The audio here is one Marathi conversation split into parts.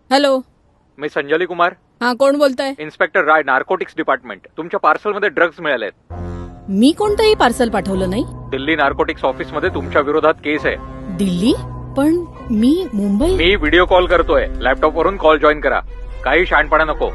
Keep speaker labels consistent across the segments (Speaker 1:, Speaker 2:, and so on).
Speaker 1: हॅलो.
Speaker 2: मी संजली कुमार,
Speaker 1: हा, कोण बोलताय?
Speaker 2: Inspector Rai, narcotics department. तुमच्या पार्सलमध्ये ड्रग्ज मिळालेत.
Speaker 1: मी कोणतंही पार्सल पाठवलं नाही.
Speaker 2: दिल्ली नार्कोटिक्स ऑफिस मध्ये तुमच्या विरोधात केस आहे.
Speaker 1: दिल्ली? पण मी मुंबई.
Speaker 2: मी व्हिडिओ कॉल करतोय. लॅपटॉप वरून कॉल जॉईन करा. काही शहाणपणा नको.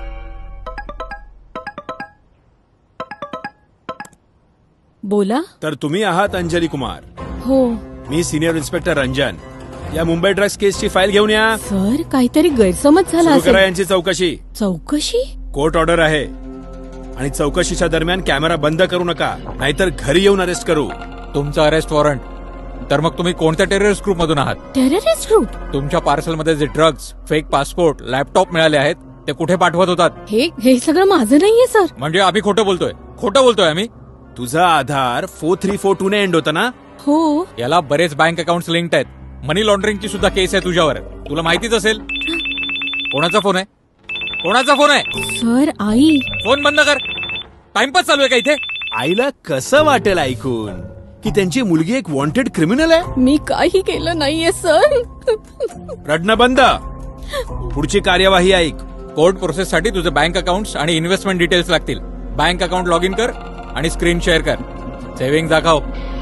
Speaker 1: बोला.
Speaker 3: तर तुम्ही आहात अंजली कुमार.
Speaker 1: हो
Speaker 3: मी सिनियर इन्स्पेक्टर रंजन. या मुंबई ड्रग्स केसची फाईल घेऊन या.
Speaker 1: सर, काहीतरी गैरसमज झाला
Speaker 3: सुरू करा
Speaker 1: असेल.
Speaker 3: यांची चौकशी.
Speaker 1: चौकशी?
Speaker 3: कोर्ट ऑर्डर आहे आणि चौकशीच्या दरम्यान कॅमेरा बंद करू नका, नाहीतर घरी येऊन अरेस्ट करू.
Speaker 4: तुमचं अरेस्ट वॉरंट. तर मग तुम्ही कोणत्या टेररिस्ट ग्रुप मधून आहात?
Speaker 1: Terrorist group?
Speaker 4: तुमच्या पार्सलमध्ये जे ड्रग्ज, फेक पासपोर्ट, लॅपटॉप मिळाले आहेत ते कुठे पाठवत होतात?
Speaker 1: हे सगळं माझं नाहीये सर.
Speaker 4: म्हणजे आम्ही खोटं बोलतोय आम्ही.
Speaker 3: तुझा आधार 4342 ने एंड होता ना?
Speaker 1: हो.
Speaker 4: याला बरेच बँक अकाउंट लिंक्ड आहेत. मनी लॉन्ड्रिंगची सुद्धा केस आहे तुझ्यावर. तुला माहितीच असेल. कोणाचा फोन आहे?
Speaker 1: सर, आई.
Speaker 4: फोन बंद कर. टाइमपास चालू आहे का इथे?
Speaker 3: आईला कसं वाटेल ऐकून की त्यांची मुलगी एक वॉन्टेड क्रिमिनल आहे?
Speaker 1: मी काही केलं नाहीये सर.
Speaker 3: रडणं बंद. पुढची कार्यवाही ऐक.
Speaker 4: कोर्ट प्रोसेससाठी तुझे बँक अकाउंट्स आणि इन्व्हेस्टमेंट डिटेल्स लागतील. बँक अकाउंट लॉग इन कर आणि स्क्रीन शेअर कर. सेव्हिंग दाखव.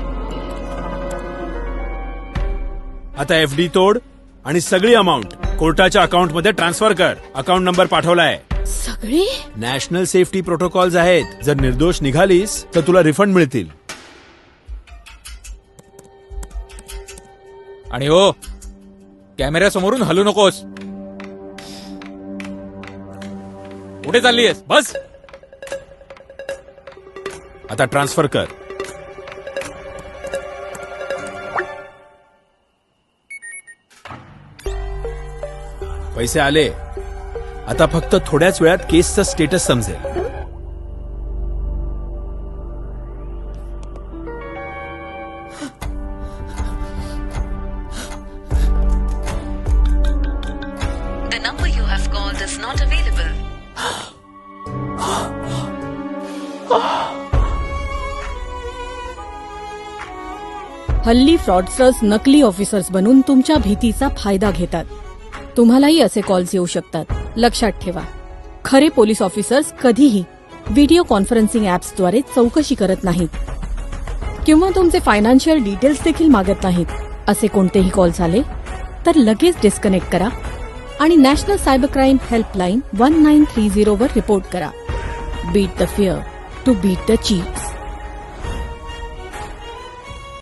Speaker 3: आता एफडी तोड आणि सगळी अमाऊंट कोर्टाच्या अकाउंट मध्ये ट्रान्सफर कर. अकाउंट नंबर पाठवलाय.
Speaker 1: सगळे?
Speaker 3: नॅशनल सेफ्टी प्रोटोकॉल्स आहेत. जर निर्दोष निघालीस तर तुला रिफंड मिळतील.
Speaker 4: आणि हो, कॅमेऱ्यासमोरून हलू नकोस. कुठे चाललीयस? बस.
Speaker 3: आता ट्रान्सफर कर. पैसे आले. आता फक्त थोड्याच वेळात केसचं स्टेटस समजेल.
Speaker 5: The number you have called is not available.
Speaker 1: हल्ली फ्रॉडस्टर्स नकली ऑफिसर्स बनून तुमच्या भीतीचा फायदा घेतात. तुम्हालाही असे कॉल्स येऊ शकतात. लक्षात ठेवा, खरे पोलीस ऑफिसर्स कधीही व्हिडिओ कॉन्फरन्सिंग ऍप्सद्वारे चौकशी करत नाहीत किंवा तुमचे फायनान्शियल डिटेल्स देखील मागत नाहीत. असे कोणतेही कॉल्स आले तर लगेच डिस्कनेक्ट करा आणि नॅशनल सायबर क्राईम हेल्पलाईन 1930 वर रिपोर्ट करा. Beat the fear to beat the cheats.